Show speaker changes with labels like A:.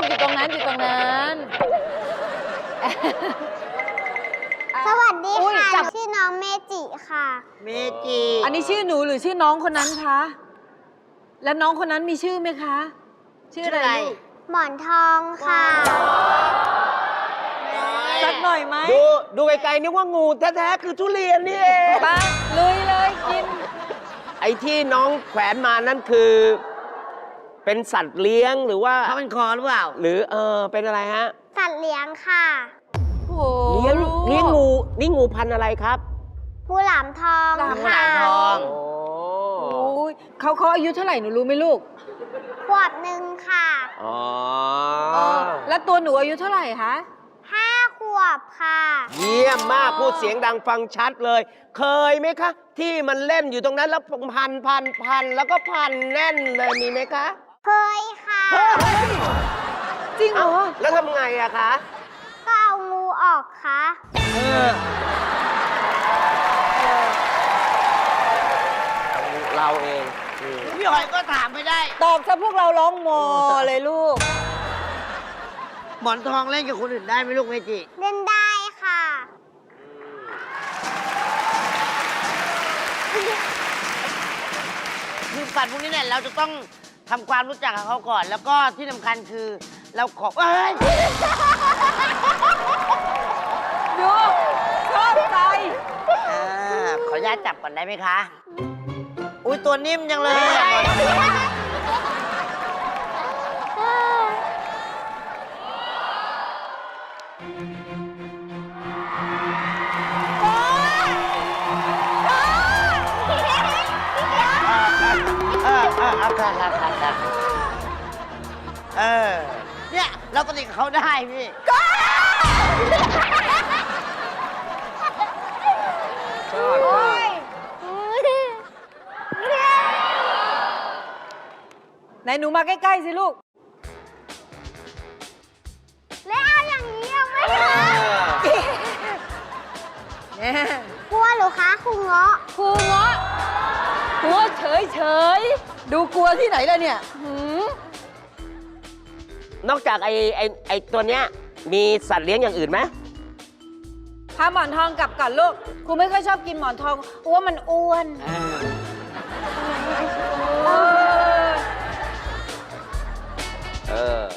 A: อยู่ตรงนั้นอยู่ตรงนั้น
B: สวัสดี
A: อุ๊ย
B: ค่ะ
A: จับ
B: ชื่อน้องเมจิค่ะ
C: เมจิ
A: อันนี้ชื่อหนูหรือชื่อน้องคนนั้นคะ แล้วน้องคนนั้นมีชื่อไหมคะ ชื่ออะไรลูก
B: หมอนทองค่ะ
A: สักหน่อยไหม
C: ดูไกลๆนึกว่างูแท้ๆคือทุเรียนนี่เอง
A: ไปลุยเลยกิน
C: ไอ้ที่น้องแขวนมานั่นคือ เป็นสัตว์เลี้ยงหรือว่า
D: เขาเป็นคอหรือเปล่า
C: หรือเป็นอะไรฮะ
B: สัตว์เลี้ยงค่ะ
A: โอ้โห
C: เลี้ยง
A: ลูก
C: เลี้ยงงูนี่งูพันธุ์อะไรครับ
B: งูหลามทอง
A: หลาม
B: ค่ะ
D: ทอง
C: โอ้
A: โอ้ยเขาอายุเท่าไหร่หนูรู้ไหมลูก
B: ขวบหนึ่งค่ะ
C: อ๋อ
A: แล้วตัวหนูอายุเท่าไหร่คะ
B: 5 ขวบค่ะ
C: เยี่ยมมากพูดเสียงดังฟังชัดเลย เคยไหมคะ ที่มันเล่นอยู่ตรงนั้นแล้วพันแล้วก็พันแน่นเลยมีไหมคะ
B: เคยค่ะ
A: จริงเหรอ
C: แล้วทำไงอะคะ
B: ก็เอางูออกค่ะ
C: เราเอง
D: พี่หอยก็ถามไม่ได้
A: ตอบซะพวกเราร้องโมเลยลูก
D: หมอนทองเล่นกับคนอื่นได้ไหมลูกเมจิ
B: เล่นได้ค่ะ
D: คือสัตว์พวกนี้เนี่ยเราจะต้องทำความรู้จักกับเขาก่อน แล้วก็ที่สำคัญคือเราขอเอ้ย
A: ดูชอบใจ
D: ขออนุญาตจับก่อนได้ไหมคะ อุ้ยตัวนิ่มจังเลยอะ ค่ะเนี่ยเราสนิทกับเขาได้พี่
C: ชอบ
B: โอ้ย
A: ไหนหนูมาใกล้ ๆ สิลูก
B: แล้วเอาอย่างนี้เอาไหมคะ
A: แน่
B: กลัวเหรือคะครูเงาะ
A: ครูเงาะตัวเฉยๆ ดูกลัวที่ไหนล่ะเนี่ยหืม
C: นอกจากไอ้ตัวเนี้ยมีสัตว์เลี้ยงอย่างอื่นไหม
A: พาหมอนทองกลับก่อนลูก ครูไม่ค่อยชอบกินหมอนทองอ้วนมันอ้วน
C: เออ